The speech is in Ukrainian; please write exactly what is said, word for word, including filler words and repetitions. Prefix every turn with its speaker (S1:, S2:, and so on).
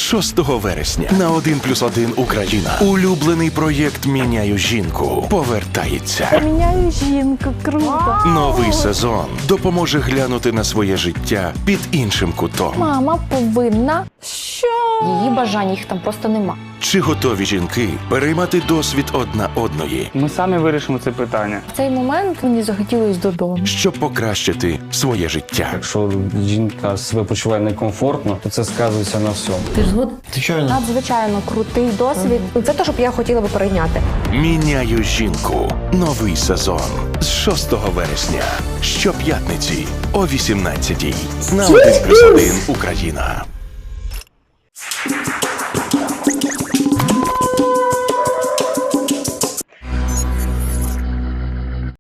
S1: шостого вересня на один плюс один Україна. Улюблений проєкт «Міняю жінку» повертається.
S2: Міняю жінку, круто.
S1: Новий сезон допоможе глянути на своє життя під іншим кутом.
S2: Мама повинна. Що?
S3: Її бажань, їх там просто нема.
S1: Чи готові жінки переймати досвід одна одної,
S4: Ми самі вирішимо це питання.
S2: В цей момент мені захотілось додому.
S1: щоб покращити своє життя?
S5: Якщо жінка себе почуває некомфортно, то це сказується на всьому.
S2: Ти ж згоден?
S3: Надзвичайно крутий досвід. Це те, що б я хотіла би перейняти.
S1: «Міняю жінку» – новий сезон з шостого вересня. Щоп'ятниці о вісімнадцятій на один плюс один Україна.